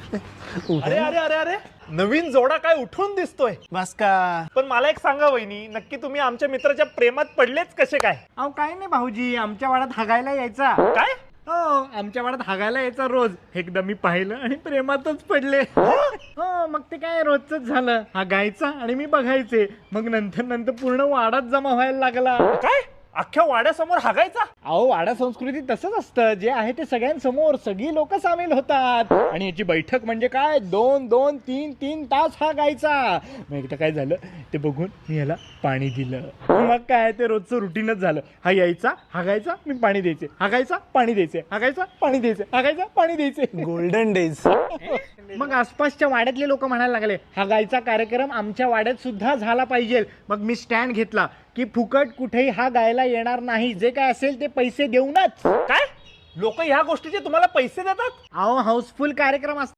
अरे अरे अरे अरे नवीन जोडा काय उठून दिसतोय. बस का? पण मला एक सांगा वहिनी, नक्की तुम्ही आमच्या मित्राच्या प्रेमात पडलेच कसे काय? अहो काय नाही भाऊजी, आमच्या वाड्यात हागायला यायचा. काय? हो, आमच्या वाड्यात हागायला यायचा रोज. एकदा मी पाहिलं आणि प्रेमातच पडले. हो, मग ते काय रोजच झालं. हा गायचा आणि मी बघायचे. मग नंतर पूर्ण वाडाच जमा व्हायला लागला. काय अख्ख्या वाड्यासमोर हागायचा? अहो, वाडा संस्कृती तसंच असतं. जे आहे ते सगळ्यांसमोर सगळी लोक सामील होतात. आणि याची बैठक म्हणजे काय 2-2-3-3 तास हा गायचा. मग एकदा काय झालं ते बघून मी याला पाणी दिलं. मग काय ते रोजचं रुटीनच झालं. हा यायचा, हागायचा, मी पाणी द्यायचे, हागायचा, पाणी द्यायचे, हागायचा, पाणी द्यायचे, हागायचा, पाणी द्यायचे. Golden days. मग आसपासच्या वाड्यातले लोक म्हणायला लागले, हा गायचा कार्यक्रम आमच्या वाड्यात सुद्धा झाला पाहिजे. मग मी स्टँड घेतला की फुकट कुठेही हा गायला येणार नाही. जे काय असेल ते पैसे देऊनच. काय लोक ह्या गोष्टीचे तुम्हाला पैसे देतात? अहो, हाऊसफुल कार्यक्रम असतो.